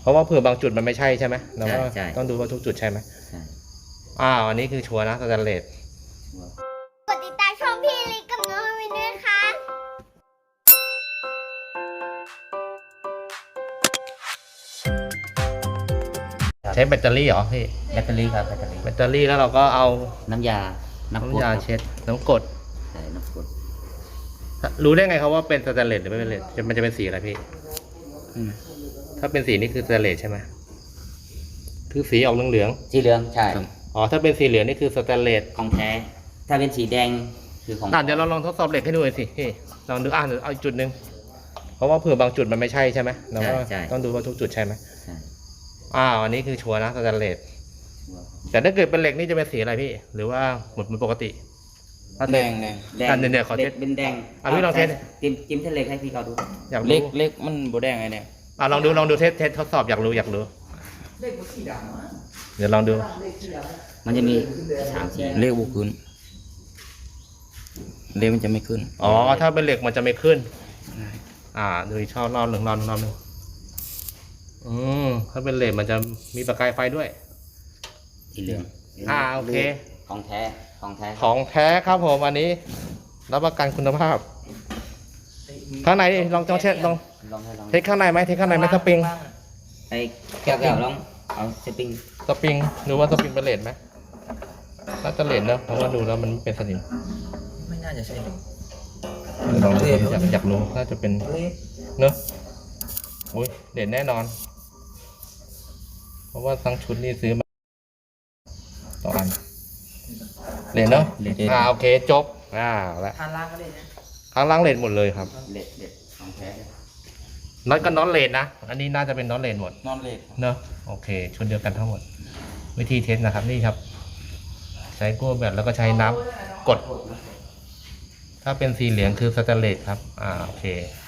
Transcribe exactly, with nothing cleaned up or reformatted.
ราะว่าเผื่อบางจุดมันไม่ใช่ใช่ไหมเราก็ใช่ต้องดูว่าทุกจุดใช่ไหมใช่อ้าวอันนี้คือชัวร์นะสแตนเลสกดติดตามช่องพี่ลิกกับน้องวินด้วยค่ะใช้แบตเตอรี่เหรอพี่แบตเตอรี่ครับแบตเตอรี่แบตเตอรี่แล้วเราก็เอาน้ำยาน้ำกรดน้ำยาครับเช็ดน้ำกรดใช่น้ำกรดรู้ได้ไงครับว่าเป็นสแตนเลสหรือไม่เป็นสแตนเลสจะมันจะเป็นสีอะไรพี่อืมถ้าเป็นสีนี่คือสแตนเลสใช่ไหมคือสีออกเหลืองสีเหลืองใช่ๆอ๋อถ้าเป็นสีเหลืองนี่คือสแตนเลสของแท้ ถ้าเป็นสีแดงคือของอ่ะเดี๋ยวเราลองทดสอบเหล็กให้ดูหน่อยสิพี่ลองดูอ่ะเดี๋ยวเอาอีกจุดหนึ่งเพราะว่าเผื่อบางจุดมันไม่ใช่ใช่ไหมเราก็ต้องดูว่าทุกจุดใช่ไหมใช่อ้าวอันนี้คือชัวร์นะสแตนเลส แต่ถ้าเกิดเป็นเหล็กนี่จะเป็นสีอะไรพี่ หรือว่าหมดเหมือนปกติถ้าแดเกิดงแดงแดงอ่ะเดี๋ยวๆขอเทสเป็นแดงอ่ะพี่ลองเทสจิ้มจิ้มเทสเล็กให้พี่เขาดูอยากเล็รู้กเล็กมันโบแดงไงเนี่ยอ่ะลองดูลองดูเทสเทสทดสอบอยากรู้อยากรู้เดี๋ยวลองดูมันจะมีสามสีเล็กบุขึ้นเล็กมันจะไม่ขึ้นอ๋อถ้าเป็นเหล็กมันจะไม่ขึ้น อ่าดูอีกชอบรอบหนึ่งรอบหนึ่งรอบหนึ่งอืมถ้าเป็นเหล็กมันจะมีประกายไฟด้วยสีเหลืองอ่าโอเคของแท้ของแท้ของแท้ครับผมอันนี้รับประกันคุณภาพ ข้างในนี่ลองลองเช็ดลองลองให้ลองเทสข้างในไหมเทสข้างในไหมสปริงไอ้แก้วแก้วลองเอาสปริงสปริงดูว่าสปริงเป็นเลนไหมน่าจะเลนนะเพราะว่าดูแล้วมันเป็นสนิมไม่น่าจะใช่เลยลองดูอยากอยากรู้น่าจะเป็นเนอะอุ้ยเลนแน่นอน เพราะว่าทั้งชุดนี่ซื้อมาต่ออันเลนเนอะอ่าโอเคจบอ่าแล้วทานล่างก็ได้นะข้างล่างเลนหมดเลยครับเล็ดเล็ดของแท้น็อตก็น็อตเลนนะอันนี้น่าจะเป็นน็อตเลนหมดนอนเลดเนอะโอเคชุดเดียวกันทั้งหมด วิธีเทสนะครับนี่ครับ ใช้กู้แบบแล้วก็ใช้น้ำกด ถ้าเป็นสีเหลืองคือสแตนเลสครับอ่าโอเค